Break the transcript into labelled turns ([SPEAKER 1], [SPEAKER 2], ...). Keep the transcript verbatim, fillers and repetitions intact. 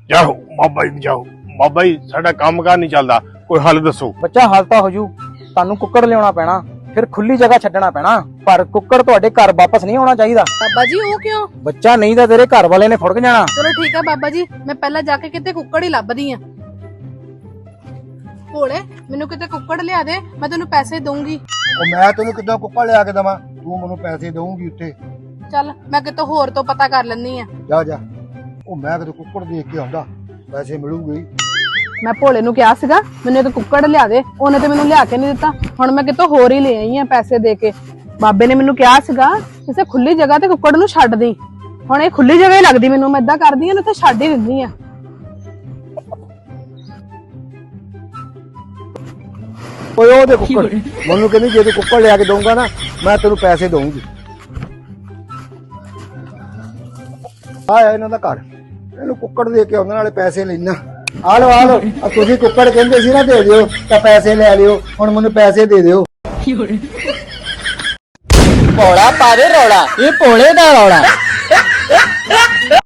[SPEAKER 1] ਜਾਓ ਬਾਬਾ ਜੀ ਜਾਓ। ਬਾਬਾ ਜੀ ਸਾਡਾ ਕੰਮ ਕਾਰ ਨਹੀਂ ਚੱਲਦਾ, ਕੋਈ ਹੱਲ ਦੱਸੋ।
[SPEAKER 2] ਬੱਚਾ ਹੱਲ ਤਾਂ ਹੋ ਜੂ, ਤੁਹਾਨੂੰ ਕੁੱਕੜ ਲਿਆਉਣਾ ਪੈਣਾ, ਫਿਰ ਖੁੱਲੀ ਜਗ੍ਹਾ ਛੱਡਣਾ ਪੈਣਾ, ਪਰ ਕੁੱਕੜ ਤੁਹਾਡੇ ਘਰ ਵਾਪਸ ਨਹੀਂ ਆਉਣਾ ਚਾਹੀਦਾ।
[SPEAKER 3] ਬਾਬਾ ਜੀ ਉਹ ਕਿਉਂ?
[SPEAKER 2] ਬੱਚਾ ਨਹੀਂ ਤਾਂ ਤੇਰੇ ਘਰ ਵਾਲੇ ਨੇ ਫੁੜਕ ਜਾਣਾ।
[SPEAKER 3] ਚਲੋ ਠੀਕ ਹੈ ਬਾਬਾ ਜੀ, ਮੈਂ ਪਹਿਲਾਂ ਜਾ ਕੇ ਕਿਤੇ ਕੁੱਕੜ ਹੀ ਲੱਭਦੀ ਆ। ਭੋਲੇ ਮੈਨੂੰ ਕਿਤੇ ਕੁੱਕੜ ਲਿਆ ਦੇ, ਮੈਂ ਤੈਨੂੰ ਪੈਸੇ ਦਊਂਗੀ।
[SPEAKER 4] ਉਹ ਮੈਂ ਤੈਨੂੰ ਕਿੱਦਾਂ ਕੁੱਕੜ ਲਿਆ ਕੇ ਦੇਵਾਂ? ਤੂੰ ਮੈਨੂੰ ਪੈਸੇ ਦੇਊਂਗੀ ਉੱਥੇ।
[SPEAKER 3] ਚੱਲ ਮੈਂ ਕਿਤੇ ਹੋਰ ਤੋਂ ਪਤਾ ਕਰ ਲੈਂਦੀ ਆ।
[SPEAKER 4] ਜਾ ਜਾ, ਉਹ ਮੈਂ ਕਿਤੇ ਕੁੱਕੜ ਦੇਖ ਕੇ ਆਉਂਦਾ, ਪੈਸੇ ਮਿਲੂਗੇ।
[SPEAKER 3] ਮੈਂ ਭੋਲੇ ਨੂੰ ਕਿਹਾ ਸੀਗਾ ਮੈਨੂੰ ਇੱਕ ਕੁੱਕੜ ਲਿਆ ਦੇ, ਉਹਨੇ ਤੇ ਮੈਨੂੰ ਲਿਆ ਕੇ ਨਹੀਂ ਦਿੱਤਾ। ਹੁਣ ਮੈਂ ਕਿਤੋਂ ਹੋਰ ਹੀ ਲੈ ਆਈ ਆ ਪੈਸੇ ਦੇ ਕੇ। ਬਾਬੇ ਨੇ ਮੈਨੂੰ ਕਿਹਾ ਸੀਗਾ ਕਿਸੇ ਖੁੱਲੀ ਜਗ੍ਹਾ ਤੇ ਕੁੱਕੜ ਨੂੰ ਛੱਡ ਦੀ। ਹੁਣ ਇਹ ਖੁੱਲੀ ਜਗ੍ਹਾ ਹੀ ਲੱਗਦੀ ਮੈਨੂੰ, ਮੈਂ ਏਦਾਂ ਕਰਦੀ ਆ ਨਾ ਤੇ ਛੱਡ ਹੀ ਦਿੰਦੀ ਆ।
[SPEAKER 4] ਓਏ ਉਹਦੇ ਕੁੱਕੜ ਮੈਨੂੰ ਕਹਿੰਦੀ ਜੇ ਤੂੰ ਕੁੱਕੜ ਲਿਆ ਕੇ ਦਊਂਗਾ ਨਾ ਮੈਂ ਤੈਨੂੰ ਪੈਸੇ ਦਊਂਗੀ। ਆਇਆ ਇਹਨਾਂ ਦਾ ਘਰ, ਇਹਨੂੰ ਕੁੱਕੜ ਦੇ ਕੇ ਉਹਨਾਂ ਨਾਲੇ ਪੈਸੇ ਲੈਣਾ। ਆ ਲਓ ਆ ਲਓ, ਤੁਸੀਂ ਕੁੱਕੜ ਕਹਿੰਦੇ ਸੀ ਨਾ ਦੇ ਦਿਓ ਤਾਂ ਪੈਸੇ ਲੈ ਲਿਓ, ਹੁਣ ਮੈਨੂੰ ਪੈਸੇ ਦੇ ਦਿਓ।
[SPEAKER 2] ਭੋਲਾ ਪਾਵੇ ਰੌਲਾ, ਇਹ ਭੋਲੇ ਦਾ ਰੌਲਾ।